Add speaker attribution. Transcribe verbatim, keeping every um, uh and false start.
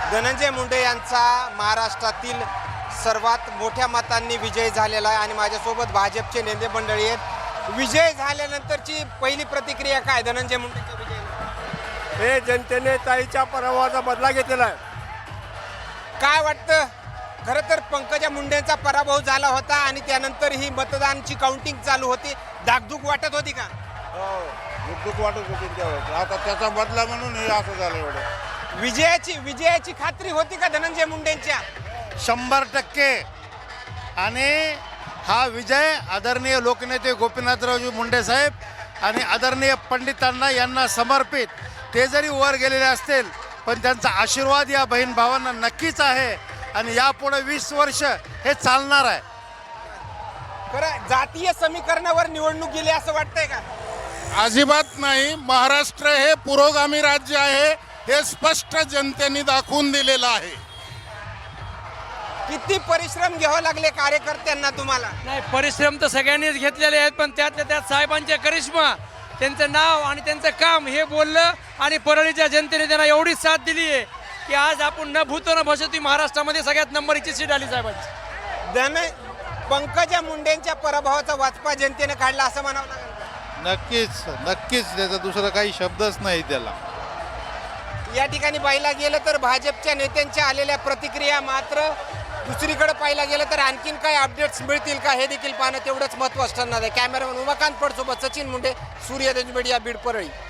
Speaker 1: धनंजय मुंडे यांचा महाराष्ट्रातील सर्वात मोठ्या मतांनी विजय झालेला आहे आणि माझ्यासोबत भाजपचे नेते मंडळी आहेत. विजय झाल्यानंतरची पहिली प्रतिक्रिया काय धनंजय मुंडेच्या विजयाला?
Speaker 2: हे जनतेने ताईच्या पराभवाचा बदला घेतलेला आहे.
Speaker 1: काय वाटतं? खरं तर पंकजा मुंडेंचा पराभव झाला होता आणि त्यानंतर ही मतदानची काउंटिंग चालू होती. धाकधूक वाटत होती का?
Speaker 3: दुःख वाटत होती त्यावेळेस. आता त्याचा बदला म्हणून हे असं झालं. एवढं
Speaker 1: विजयाची विजयाची खात्री होती का धनंजय मुंडेंच्या?
Speaker 4: शंभर टक्के. आणि हा विजय आदरणीय लोकनेते गोपीनाथरावजी मुंडे साहेब आणि आदरणीय पंडितांना यांना समर्पित. ते जरी वर गेलेले असतील पण त्यांचा आशीर्वाद या बहीण भावांना नक्कीच आहे आणि यापुढे वीस वर्ष हे चालणार आहे.
Speaker 1: खरं जातीय समीकरणावर निवडणूक गेली असं वाटतंय का?
Speaker 5: अजिबात नाही. महाराष्ट्र हे पुरोगामी राज्य आहे हे स्पष्ट जनतेने दाखवून दिलेलं आहे.
Speaker 1: किती परिश्रम घ्यावे लागले कार्यकर्त्यांना तुम्हाला?
Speaker 6: नाही, परिश्रम तर सगळ्यांनीच घेतलेले आहेत, पण त्यातल्या त्यात साहेबांचे करिश्मा, त्यांचं नाव आणि त्यांचं काम हे बोललं आणि परळीच्या जनतेने त्यांना एवढी साथ दिली आहे की आज आपण न भूतो न भविष्यती महाराष्ट्रामध्ये सगळ्यात नंबरची सीट आली साहेबांची.
Speaker 1: धन पंकजा मुंडेंच्या पराभवाचा वाचपा जनतेने काढला असं म्हणावं लागेल.
Speaker 3: नक्कीच नक्कीच त्याचा दुसरा काही शब्दच नाही त्याला.
Speaker 1: या ठिकाणी पाहिला गेलं तर भाजपच्या नेत्यांच्या आलेल्या प्रतिक्रिया, मात्र दुसरीकडे पाहिला गेलं तर आणखीन काही अपडेट्स मिळतील का हे देखील पाहणं तेवढंच महत्त्वाचं ठरणार आहे. कॅमेरामन उमाकांत पडसोबत सचिन मुंडे, सूर्यदंज मीडिया, बीड, परळी.